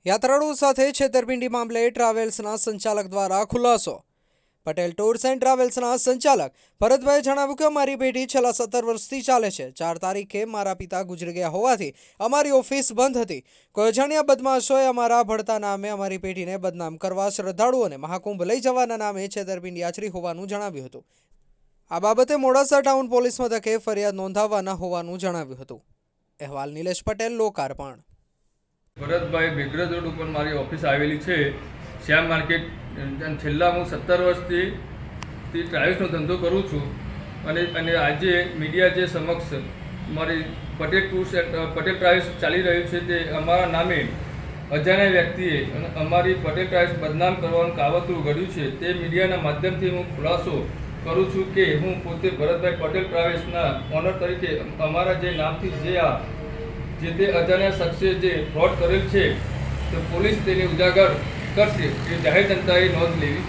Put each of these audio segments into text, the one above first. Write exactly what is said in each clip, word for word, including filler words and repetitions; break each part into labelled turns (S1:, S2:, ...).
S1: યાત્રાળુઓ સાથે છેતરપિંડી મામલે ટ્રાવેલ્સના સંચાલક દ્વારા ખુલાસો। પટેલ ટૂર્સ એન્ડ ટ્રાવેલ્સના સંચાલક ભરતભાઈએ જણાવ્યું કે અમારી પેઢી છેલ્લા સત્તર વર્ષથી ચાલે છે। ચાર તારીખે મારા પિતા ગુજરી ગયા હોવાથી અમારી ઓફિસ બંધ હતી। કોઈ અજાણ્યા બદમાશોએ અમારા ભળતા નામે અમારી પેઢીને બદનામ કરવા શ્રદ્ધાળુઓને મહાકુંભ લઈ જવાના નામે છેતરપિંડી આચરી હોવાનું જણાવ્યું હતું। આ બાબતે મોડાસા ટાઉન પોલીસ મથકે ફરિયાદ નોંધાવવાના હોવાનું જણાવ્યું હતું। અહેવાલ નિલેશ પટેલ, લોકાર્પણ।
S2: ભરતભાઈ બેગરજ રોડ ઉપર મારી ઓફિસ આવેલી છે, શ્યામ માર્કેટ। છેલ્લા હું સત્તર વર્ષથી ટ્રાવેલ્સનો ધંધો કરું છું અને અને આજે મીડિયા જે સમક્ષ મારી પટેલ ટૂર્સ પટેલ ટ્રાવેલ્સ ચાલી રહ્યું છે તે અમારા નામે અજાણ્યા વ્યક્તિએ અને અમારી પટેલ ટ્રાવેલ્સ બદનામ કરવાનું કાવતરું ઘડ્યું છે। તે મીડિયાના માધ્યમથી હું ખુલાસો કરું છું કે હું પોતે ભરતભાઈ પટેલ ટ્રાવેલ્સના ઓનર તરીકે અમારા જે નામથી જે આ જે તે અજાણ્યા શખ્સે જે ફ્રોડ કરેલ છે તો પોલીસ તેને ઉજાગર કરશે એ જાહેર જનતાએ નોંધ લેવી।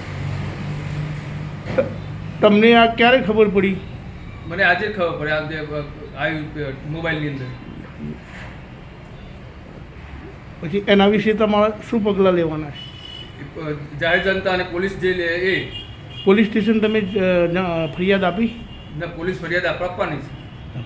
S3: તમને આ ક્યારે ખબર પડી?
S2: મને આજે ખબર પડે, આજે આવ્યું મોબાઈલની અંદર।
S3: પછી એના વિશે તમારે શું પગલાં લેવાના છે?
S2: જાહેર જનતા અને પોલીસ જે લે એ
S3: પોલીસ સ્ટેશન તમે ફરિયાદ આપી?
S2: ના, પોલીસ ફરિયાદ આપવાની છે।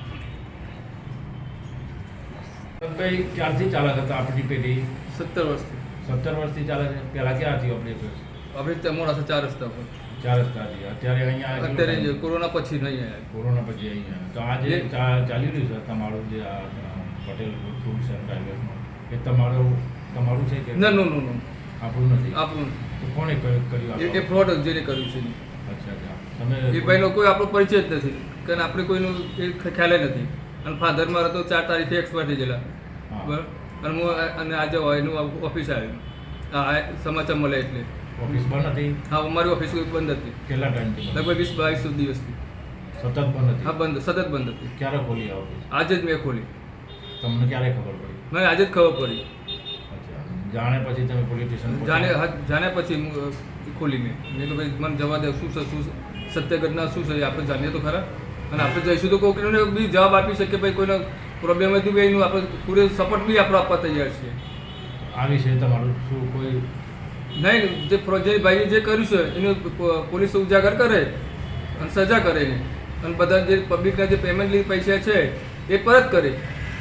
S4: ભાઈ ક્યારથી ચાલક હતા આપણી પેઢી?
S2: સત્તર વર્ષથી
S4: સત્તર વર્ષથી ચાલે છે। પહેલાં ક્યાં હતી આપણી પેઢી?
S2: આપણે મોડાસા ચાર રસ્તા પર
S4: ચાર રસ્તા હતી, અત્યારે અહીંયા
S2: અત્યારે કોરોના પછી નહીં આવ્યા।
S4: કોરોના પછી અહીંયા તો આજે ચા- ચાલી રહ્યું છે તમારું જે આ પટેલ ટૂર્સ એન્ડ ટ્રાવેલ્સનું, એ તમારું તમારું છે કે
S2: ના, નો નો નો
S4: આપણું નથી?
S2: આપણું
S4: તો કોણે કર્યું કર્યું
S2: એ
S4: આ?
S2: ફ્રોડ જેને કર્યું છે।
S4: અચ્છા અચ્છા તમે
S2: એ ભાઈનો કોઈ આપણો પરિચય જ નથી, કારણ આપણે કોઈનું એ ખ્યાલ નથી। અને ફાધર મારા તો ચાર તારીખે એક્સપાયર થઈ ગયેલા,
S4: હા
S2: બરાબર। અને હું અને આજે એનું ઓફિસ આવ્યું, આ સમાચાર મળે એટલે।
S4: ઓફિસ બંધ હતી?
S2: હા, અમારી ઓફિસ બંધ હતી
S4: કેટલા ટાઈમથી બંધ?
S2: લગભગ વીસ બાવીસ દિવસથી।
S4: સતત બંધ હતી?
S2: હા, બંધ, સતત બંધ હતી।
S4: ક્યારે ખોલી આ ઓફિસ?
S2: આજે જ મેં ખોલી,
S4: તમને ક્યારે ખબર પડી?
S2: મને આજે જ ખબર પડી।
S4: અચ્છા, જાણે પછી તમે પોલીસ સ્ટેશન
S2: જાણે જાણે પછી હું ખોલી મેં મેં તો ભાઈ મને જવા દે, શું છે શું સત્ય ઘટના શું છે એ આપણે જાણીએ તો ખરા, અને આપણે જઈશું તો કોઈને બી જવાબ આપી શકીએ। ભાઈ કોઈનો પ્રોબ્લેમ હતું બી એનું આપણે પૂરે સપોર્ટ બી આપણે આપવા તૈયાર છીએ।
S4: આ વિશે તમારું શું કોઈ
S2: નહીં, જે જે ભાઈએ જે કર્યું છે એનું પોલીસ ઉજાગર કરે અને સજા કરે એને, અને બધા જે પબ્લિકના જે પેમેન્ટ પૈસા છે એ પરત કરે।